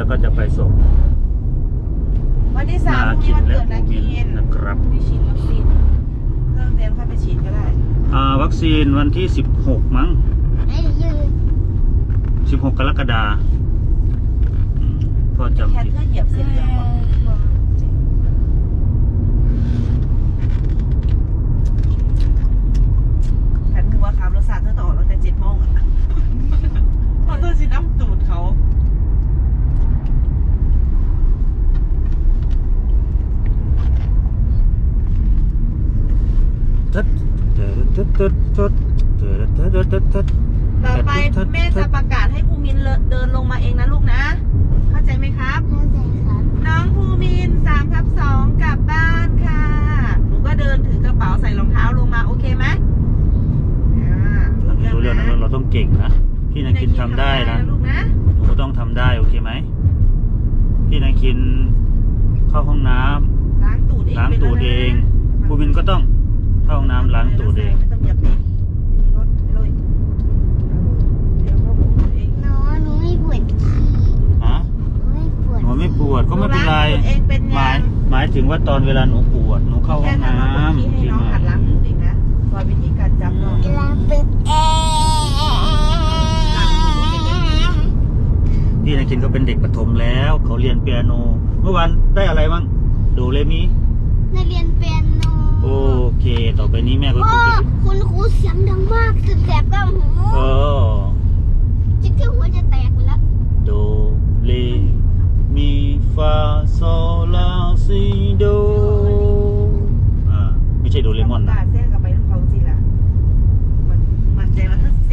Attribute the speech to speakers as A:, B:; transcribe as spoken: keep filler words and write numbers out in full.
A: แล้วก็จะไปส่ง
B: วันที่สาม
A: นา
B: พรุ่ง
A: คิ
B: นี้
A: น
B: วัน
A: และ
B: เกิดนา
A: ภูมิ
B: คิ
A: น
B: น
A: นะครับ
B: ไม่ฉีดวัคซีนเริ่มเรียนค่อยไปฉีดก็ได้
A: อ่าวัคซีนวันที่สิบหกมั้ง
C: ไม่ยืน
A: สิบหกกรกฎาคมอืมพ่อจำ
B: แค่
A: ผิด
B: เธอเหยียบเส้นเหลืองบอกขันหัวขับรถสาดเธอต่อรถแต่เจ็ดโมงอ่ะพอเธอสิน้ำตูดเขา
A: ตึ๊ดตึ๊ดตึ๊ดตึ๊ดตึ๊ดตึ๊ดตึ๊ดตึ๊ดตึ๊ด
B: ต่อไปแม่จะประกาศให้ภูมินเดินลงมาเองนะลูกนะ เข้าใจไหมครับ
C: เข้าใจครับ
B: น้องภูมินสามทับสองกลับบ้านค่ะ หนูก็เดินถือกระเป๋าใส่รองเท้าลงมาโอเคไหมอ่า
A: อันนี้รู้เรื่องนะเราต้องเก่งนะพี่นาคินทำได้นะ
B: ลูกนะ
A: หนูก็ต้องทำได้โอเคไหมพี่นาคินเข้าห้องน้ำ
B: ล้างตูดเอง
A: ล้างตูดเองภูมินก็ต้องเข้าห้องน้ำล้างตูดเอง
B: ไม่ต้องเหยียบเองไม่มีรถไปเลยเออเดี๋ยวเขาพูดเอง
C: หนูหนูไม่ปวดขี้
A: ฮะ
C: หนูไม่ปวด
A: หนูไม่ปวดก็ไม่เป็นไร
B: หล้างตูดเองเป็น
A: ห
B: ยั
A: มาย
B: ง
A: หมายถึงว่าตอนเวลาหนูปวดหนูเข้าห้
B: แค่
A: อง
B: ทำน้องปวด
A: น้ำ
B: ขี้ให้น้องหัดล้างตูดเองนะสอนวิธีการจับน้อง
C: เวลาเป็นแอร์
A: พี่นาคินก็เป็นเด็กประถมแล้ว เขาเรียนเปียโน เมื่อวานได้อะไรบ้างโดเรมี
C: นักเรียนเปียโน
A: โอเค ต่อไปนี้แม่ก็
C: พ่
A: ค
C: อง
A: จะ
C: คุณครูเสียงดังมากสุดแสบกับหู
A: เออ